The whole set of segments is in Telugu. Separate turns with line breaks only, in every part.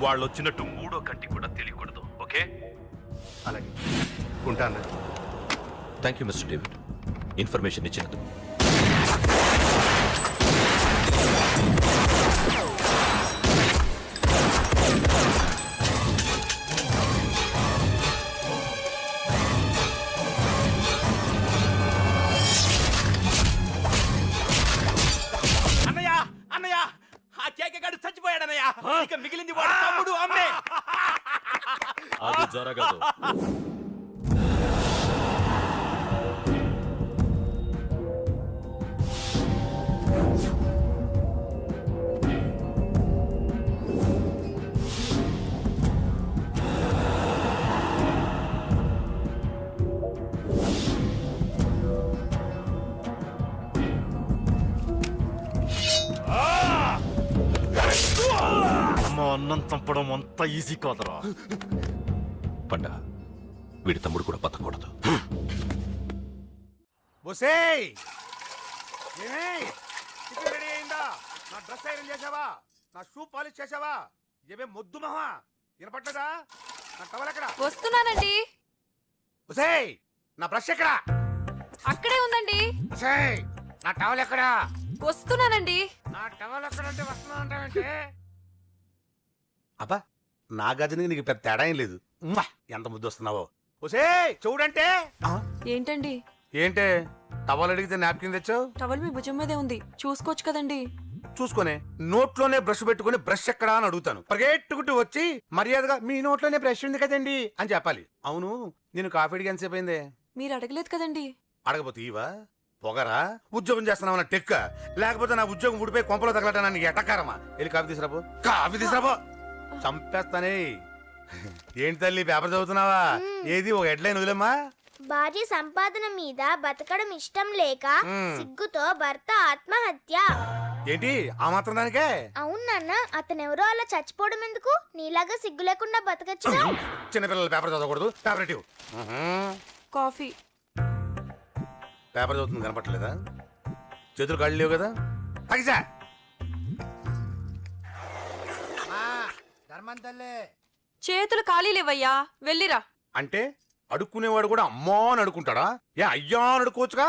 వాళ్ళు వచ్చినట్టు మూడో కంటి కూడా తెలియకూడదు. ఓకే?
అలాగే ఉంటాను.
Thank you mister David, information ఇచ్చినందుకు.
అన్నయ్య అన్నయ్య, ఆ కేకగాడు చచ్చిపోయాడన్నయ్య. ఇక మిగిలింది వాడు తమ్ముడు అమ్మే.
అది జరగదు.
అమ్మ అన్నం చంపడం అంత ఈజీ కాదురా.
పండ, వీడి తమ్ముడు కూడా బతకూడదు.
బొసేయ్, రెడీ అయిందా? నా డ్రెస్ ఐరన్ చేసావా? నా షూ పాలిష్ చేసావా? ఏమే మొద్దు మహా వినపడ్డదా? నా టవల్ ఎక్కడా?
వస్తున్నానండి.
బొసేయ్, నా బ్రష్ ఎక్కడా?
అక్కడే ఉందండి.
బొసేయ్, నా టవల్ ఎక్కడా?
వస్తున్నానండి.
నా టవల్ ఎక్కడంటే వస్తున్నా అంటావేంటి? అబ్బా, నా గదిని నీకు పెద్ద తేడా ఏం లేదు. ఉమ్మా, ఎంత ముద్దు వస్తున్నావో. బొసేయ్, చూడంటే.
ఏంటండి?
ఏంటే టవల్ అడిగితే నాప్కిన్ తెచ్చావు?
టవల్ మీ భుజం మీదే ఉంది, చూసుకోవచ్చు కదండి.
చూసుకునే నోట్లోనే బ్రష్ పెట్టుకుని బ్రష్ ఎక్కడా అని అడుగుతాను. పరిగెట్టుకుంటూ వచ్చి మర్యాదగా మీ నోట్లోనే బ్రష్ ఉంది కదండి అని చెప్పాలి. అవును, నేను కాఫీ అడిగి ఎంతసేపు అయిందే?
మీరు అడగలేదు కదండి.
అడగపోతే ఇవా పొగరా? ఉద్యోగం చేస్తున్నావు టెక్క, లేకపోతే నా ఉద్యోగం ఊడిపోయి కొంపలో తగలటానికి ఎటకారమా? వెళ్ళి కాఫీ తీసుకురాబో. కాఫీ తీసుకురాబో, చంపేస్తానే. ఏంటి తల్లి, పేపర్ చదువుతున్నావా? ఏది ఒక హెడ్లైన్ వదిలేమ్మా.
భార్య సంపాదన మీద బతకడం ఇష్టం లేక సిగ్గుతో భర్త ఆత్మహత్య.
ఏంటి ఆ మాత్రం దానికే?
అవును నాన్న, అతనెవరో అలా చచ్చిపోవడం ఎందుకు? నీలాగా సిగ్గు లేకుండా బతకచ్చు.
చిన్నపిల్లల పేపర్ చదవకూడదు. పేపర్ ఇటు.
కాఫీ.
పేపర్ చదువుతుంది కనపట్టలేదా? చేతులు కాళ్ళు లేవు కదా? తగిసా
చేతులు ఖాళీ లేవయ్యా, వెళ్ళిరా.
అంటే అడుక్కునేవాడు కూడా అమ్మా అని అడుక్కుంటాడా? ఏ అయ్యా అని అడుక్కోవచ్చుగా?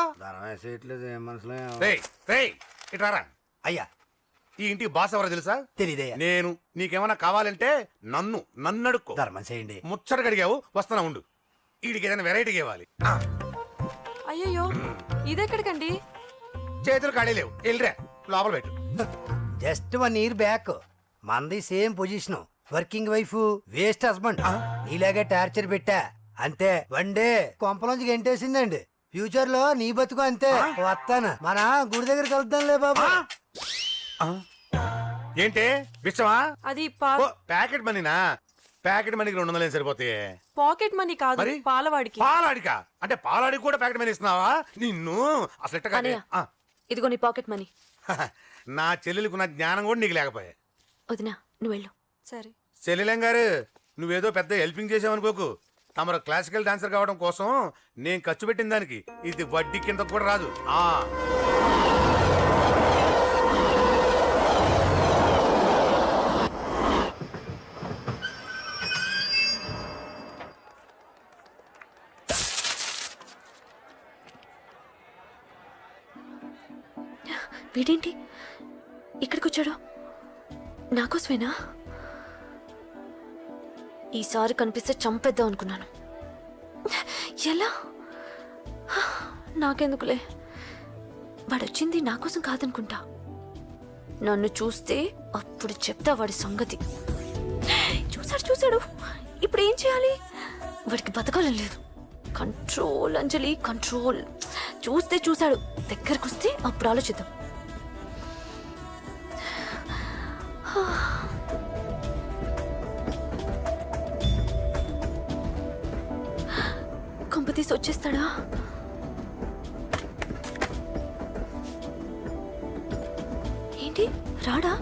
ఇటారా
అయ్యా.
ఈ ఇంటికి బాస్ ఎవరో తెలుసా?
తెలీదయ్యా.
నేను. నీకేమన్నా కావాలంటే నన్ను అడుక్కో.
ధర్మం చేయండి.
ముచ్చటగా అడిగావు, వస్తున్నా ఉండు. వీడికి ఏదైనా వెరైటీగా ఇవ్వాలి.
అయ్యయ్యో, ఇదెక్కడికండి?
చేతులు ఖాళీ లేవు, వెళ్ళిరా లోపల పెట్టు.
జస్ట్ 1 year బ్యాక్ మంది same position, working wife, waste husband. నీలాగే టార్చర్ పెట్టా అంతే. 1 day కొంపలోంచి గెంటేసిందండి. ఫ్యూచర్ లో నీ బతుకు అంతే. వస్తాను, మన గుడి దగ్గర కలుద్దాంలే బాబా.
ఏంటి విషమా?
అది
ప్యాకెట్ మనీనా? ప్యాకెట్ మనీకి 200 సరిపోతాయి.
పాకెట్ మనీ కాదు,
మరి
పాలవాడికి.
పాలాడికా? అంటే పాలాడికి కూడా ప్యాకెట్ మనీ ఇస్తున్నావా? నిన్ను అసలు ఎట్టగా.
ఇదిగో నీ పాకెట్ మనీ.
నా చెల్లెలకు నా జ్ఞానం కూడా నీకు లేకపోయా.
వదినా, నువ్వు వెళ్ళు. సరే.
చెల్లెలం గారు, నువ్వేదో పెద్ద హెల్పింగ్ చేసావనుకోకు. తమరు క్లాసికల్ డాన్సర్ కావడం కోసం నేను ఖర్చు పెట్టిన దానికి ఇది వడ్డీ కింద కూడా రాదు.
వీడేంటి ఇక్కడికి వచ్చాడు? నాకోసమేనా? ఈసారి కనిపిస్తే చంపేద్దాం అనుకున్నాను. ఎలా? నాకెందుకులే, వాడొచ్చింది నా కోసం కాదనుకుంటా. నన్ను చూస్తే అప్పుడు చెప్తా వాడి సంగతి. చూశాడు. ఇప్పుడు ఏం చేయాలి? వాడికి బతకాలని లేదు. Control Anjali, control. చూశాడు, దగ్గరకు వస్తే అప్పుడు ఆలోచిద్దాం. కొంపతీసి వచ్చేస్తాడా? ఏంటి రాడా?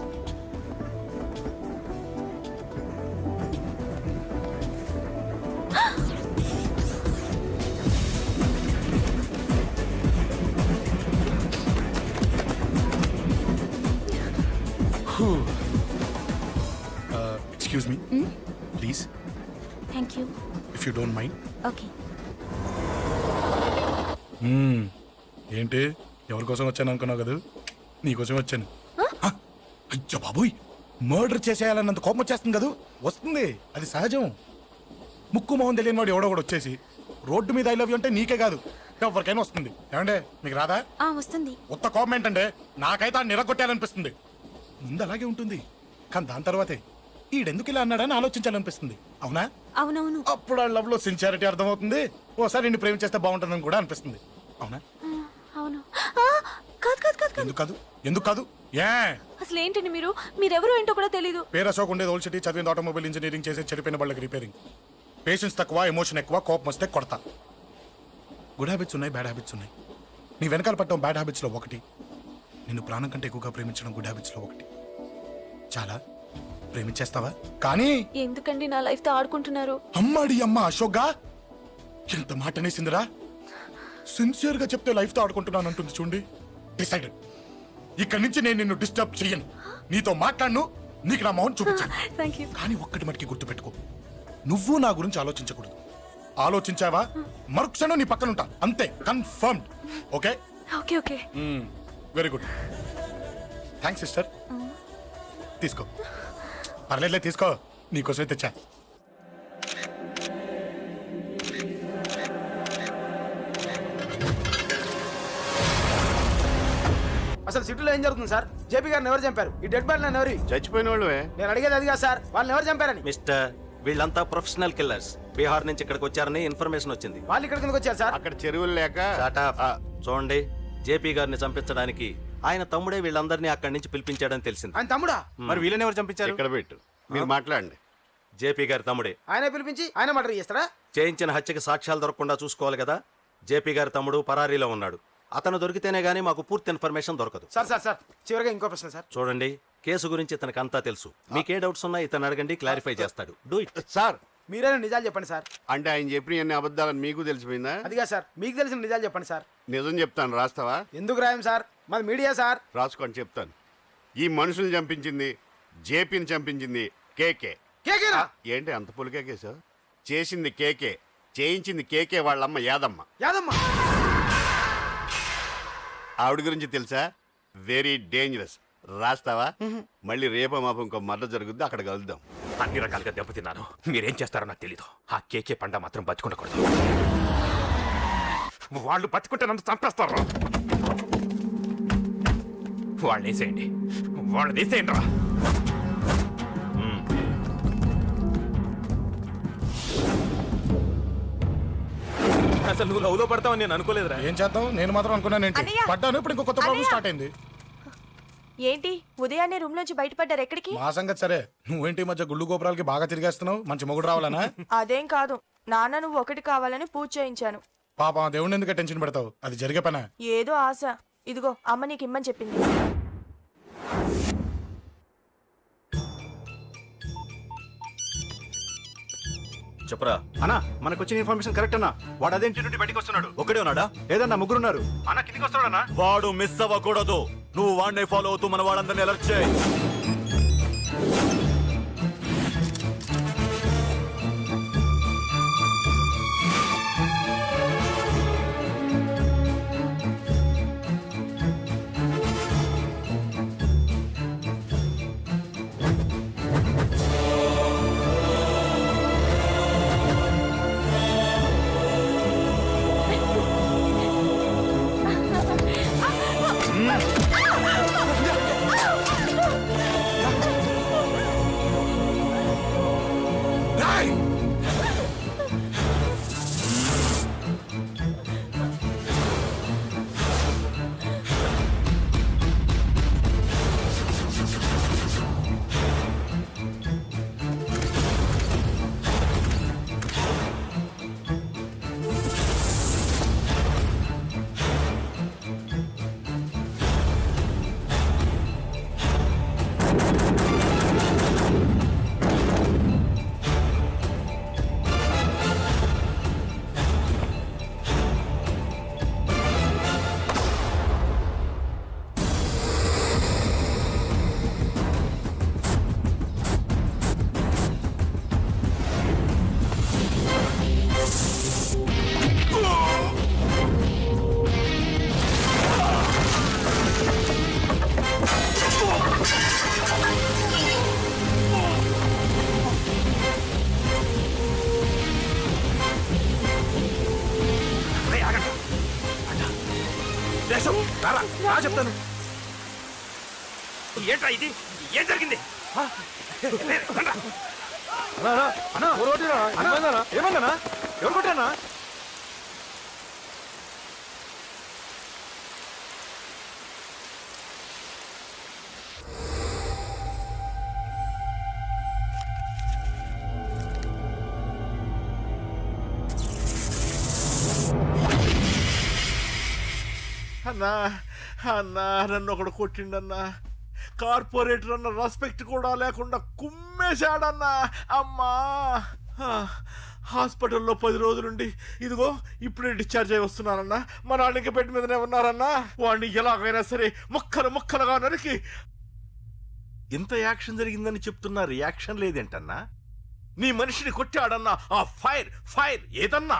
Excuse me please
thank you
if you don't mind.
Okay.
ఏంటి ఎవరి కోసం వచ్చాను అనుకున్నావు కదా, నీకోసం వచ్చాను. హ? అయ్యో బాబోయ్, మర్డర్ చేసేయాలన్నంత కోపం వచ్చేస్తుంది కదా. వస్తుంది, అది సహజం. ముక్కు మొహం తెలియని వాడు ఎవడో కూడా వచ్చేసి రోడ్డు మీద ఐ లవ్ యూ అంటే నీకే కాదు ఎవరికైనా వస్తుంది. ఏమంటే మీకు రాదా?
వస్తుంది.
ఉత్త కోపం ఏంటంటే నాకైతే ఆ నిరగొట్టాలనిపిస్తుంది. ముందు అలాగే ఉంటుంది, కానీ దాని తర్వాతే ఈడెందుకు ఇలా అన్నాడని ఆలోచించాలనిపిస్తుంది. అవునా?
అవునవును.
అప్పుడు ఆ లవ్ లో సిన్సియారిటీ అర్థమవుతుంది. ఓసారి నిన్ను ప్రేమించేస్తే బాగుంటుందని కూడా అనిపిస్తుంది. అవునా?
అవును. కాదు కాదు కాదు కాదు.
ఎందుకు కాదు? ఎందుకు కాదు? ఏ
అసలు ఏంటండి మీరెవరు ఏంటో కూడా తెలీదు.
పేరు అశోక్ ఉండేది ఓల్డ్ సిటీ, చదివింది ఆటోమొబైల్ ఇంజనీరింగ్, చేసే చెడిపోయిన వాళ్ళకి రిపేరింగ్. పేషెన్స్ తక్కువ, ఎమోషన్ ఎక్కువ, కోపం వస్తే కొడతా. గుడ్ హ్యాబిట్స్ ఉన్నాయి, బ్యాడ్ హ్యాబిట్స్ ఉన్నాయి. నీ వెనకాల పట్టడం బ్యాడ్ హ్యాబిట్స్ లో ఒకటి, నిన్ను ప్రాణం కంటే ఎక్కువగా ప్రేమించడం గుడ్ హ్యాబిట్స్ లో ఒకటి. చాలా ప్రేమించేస్తావా? కానీ
ఎందుకండి నా లైఫ్ తో ఆడుకుంటున్నారు?
అమ్మాడి అమ్మ అశోక్గా ఎంత మాట అనేసిందిరా. సిన్సియర్ గా చెప్తే లైఫ్ తో ఆడుకుంటున్నాను అంటుంది చూడండి. డిసైడెడ్, ఇక్కడి నుంచి నేను నిన్ను డిస్టర్బ్ చెయ్యను. నీతో మాట్లాడను, నీకు నా మౌన్ చూపించాను.
Thank you.
కానీ ఒక్కటి మటుకి గుర్తుపెట్టుకో, నువ్వు నా గురించి ఆలోచించకూడదు. ఆలోచించావా మరుక్షణం నీ పక్కన ఉంటా, అంతే. Confirmed. Okay
okay okay.
Very good. Thanks sister. తీసుకో, పర్లేదులే, తీసుకో, నీకోసమే తెచ్చా.
అసలు సిటీలో ఏం జరుగుతుంది సార్? జేపీ గారిని ఎవరు చంపారు? ఈ డెడ్ బాడీ ఎవరు?
చచ్చిపోయిన వాళ్ళే.
నేను అడిగేది అది కాదు సార్, వాళ్ళని ఎవరు చంపారని.
మిస్టర్, వీళ్ళంతా ప్రొఫెషనల్ కిల్లర్స్. బీహార్ నుంచి ఇక్కడికి వచ్చారని ఇన్ఫర్మేషన్ వచ్చింది.
వాళ్ళు ఇక్కడ కిందకి వచ్చారు సార్.
అక్కడ చెరువులు లేక.
చూడండి, జేపీ గారిని చంపించడానికి ఆయన తమ్ముడే వీళ్ళందరినీ అక్కడి నుంచి పిలిపించాడని తెలిసింది.
ఆయన తమ్ముడా?
మరి వీళ్ళని ఎవరు చంపించారు?
ఇక్కడ పెట్టు, మీరు మాట్లాడండి.
జేపీ గారి తమ్ముడే.
ఆయన పిలిపించి ఆయన మర్డర్ చేస్తారా?
చేయించిన హత్యకి సాక్ష్యాలు దొరకకుండా చూసుకోవాలి కదా. జేపీ గారి తమ్ముడు పరారీలో ఉన్నాడు. అతను దొరికితేనే గానీ మాకు పూర్తి ఇన్ఫర్మేషన్ దొరకదు.
సార్ సార్ సార్ చివరిగా ఇంకో ప్రశ్న సార్.
చూడండి, కేసు గురించి ఇతనికి అంతా తెలుసు. మీకే డౌట్స్ ఉన్నా ఇతను అడగండి, క్లారిఫై చేస్తాడు. Do it.
సార్
మీరైనా నిజాలు చెప్పండి సార్.
అంటే ఆయన చెప్పిన అన్ని అబద్ధాలని మీకు తెలిసిపోయిందా?
అదిగా సార్, మీకు తెలిసిన నిజాలు చెప్పండి సార్.
నిజం చెప్తాను, రాస్తావా?
ఎందుకు రాయం సార్, మాది మీడియా సార్.
రాసుకోండి, చెప్తాను. ఈ మనుషుల్ని చంపించింది, జేపీని చంపించింది కేకే.
కేకేనా?
ఏంటి అంత పులికేకేసావు? చేసింది కేకే, చేయించింది కేకే వాళ్ళమ్మ యాదమ్మ.
యాదమ్మ
ఆవిడ గురించి తెలుసా? Very dangerous. రాస్తావా? మళ్ళీ రేపో మాపం ఇంకో మర్డర్ జరుగుద్ది, అక్కడ కలుద్దాం.
అన్ని రకాలుగా దెబ్బతిన్నాను. మీరేం చేస్తారో నాకు తెలీదు. ఆ కేకే పండ మాత్రం బతుకుండకూడదు. వాళ్ళు బతుకుంటే నన్ను చంపేస్తారు. వాళ్ళని వేసేయండి, వాళ్ళని వేసేయండి రా.
అసలు నువ్వు లవ్ లో పడతావని నేను అనుకోలేదురా.
ఏం చేద్దాం, నేను మాత్రం అనుకున్నాను ఏంటి, పడ్డాను. ఇప్పుడు ఇంకో కొత్త ప్రాబ్లం స్టార్ట్ అయింది.
ఏంటి ఉదయాన్నే రూమ్ నుంచి బయటపడ్డారు? ఎక్కడికి?
మా సంగతి సరే, నువ్వేంటి ఈ మధ్య గుళ్ళు గోపురాలకి బాగా తిరిగేస్తున్నావు? మంచి మొగుడు రావాలనా?
అదేం కాదు నాన్న, నువ్వు ఒకటి కావాలని పూజ చేయించాను.
పాప దేవుడిని ఎందుకు టెన్షన్ పెడతావు? అది జరిగే పనా?
ఏదో ఆశ. ఇదిగో అమ్మ నీకు ఇమ్మని చెప్పింది.
చెప్పరా
అన్నా, మనకు వచ్చిన ఇన్ఫర్మేషన్ కరెక్ట్ అన్నా. వాడు అదేంటి నుండి బయటికి వస్తున్నాడు.
ఒకడే ఉన్నాడా?
లేదన్నా, ముగ్గురున్నారు.
అన్న కిందికి వస్తాడన్నా. వాడు మిస్ అవ్వకూడదు. నువ్వు వాడిని ఫాలో అవుతూ మన వాళ్ళందరినీ అలర్ట్ చేయి.
చెప్తాను.
ఏంట్రా ఇది? ఏం జరిగింది?
ఏమన్నా ఎవరు కొట్టానా?
అన్నా అన్నా నన్ను ఒకడు కొట్టిండన్నా. కార్పొరేటర్ అన్న రెస్పెక్ట్ కూడా లేకుండా కుమ్మేశాడన్నా. అమ్మా హాస్పిటల్లో 10 రోజులుండి ఇదిగో ఇప్పుడే డిశ్చార్జ్ అయి వస్తున్నానన్నా. మా నాన్న ఇంకా బెడ్ మీదనే ఉన్నారన్నా. వాడిని ఎలాగైనా సరే ముక్కలుగా నరికి. ఇంత యాక్షన్ జరిగిందని చెప్తున్నా, రియాక్షన్ లేదేంటన్నా? నీ మనిషిని కొట్టాడన్నా. ఆ ఫైర్ ఏదన్నా?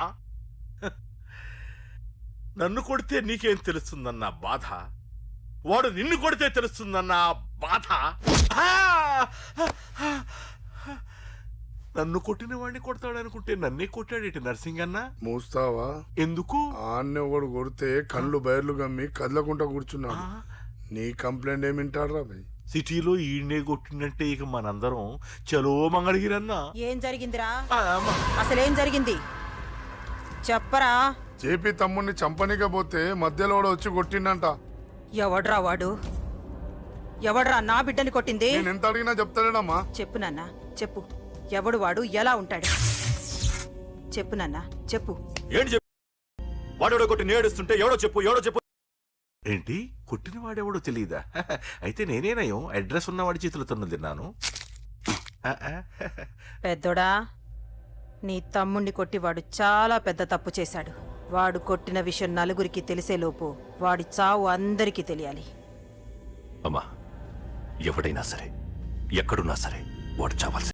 నన్ను కొడితే నీకేం తెలుస్తుందన్నా బాధ, వాడు నిన్ను కొడితే తెలుస్తుందన్నా బాధ. నన్ను కొట్టిన వాడిని కొడతాడనుకుంటే నన్నే కొట్టాడేటి నర్సింగ్ అన్నా.
మూస్తావా?
ఎందుకు?
ఆన్నే ఒకడు కొడితే కళ్ళు బయర్లు గమ్మి కదలకుండా కూర్చున్నాడు. నీ కంప్లైంట్ ఏమింటారా భయ్?
సిటీలో ఈయనే కొట్టినట్టే ఇక మనందరం చలో మంగళగిరన్నా.
ఏం జరిగిందిరా? అసలేం జరిగింది చెప్పరా?
జేపీ తమ్ముడిని చంపనీకపోతే మధ్యలో వచ్చి కొట్టిండంట.
ఎవడ్రా వాడు? ఎవడ్రా నా బిడ్డని కొట్టింది?
నేను ఎంత అడిగినా చెప్తాడేనమ్మా.
చెప్పు నాన్న చెప్పు. ఎవడు వాడు? ఎలా ఉంటాడు? చెప్పు నాన్న చెప్పు.
ఏంటి చెప్పు? వాడెవడో కొట్టి నేడుస్తుంటే ఎవడో చెప్పు.
ఏంటి కొట్టిన వాడెవడో తెలియదా? అయితే నేనేనయం అడ్రస్ ఉన్నవాడి చేతులతో తిన్నాను.
పెద్దోడా, నీ తమ్ముణ్ణి కొట్టి వాడు చాలా పెద్ద తప్పు చేశాడు. వాడు కొట్టిన విషయం నలుగురికి తెలిసేలోపు వాడి చావు అందరికీ తెలియాలి.
అమ్మా, ఎవడైనా సరే ఎక్కడున్నా సరే వాడు చావాల్సి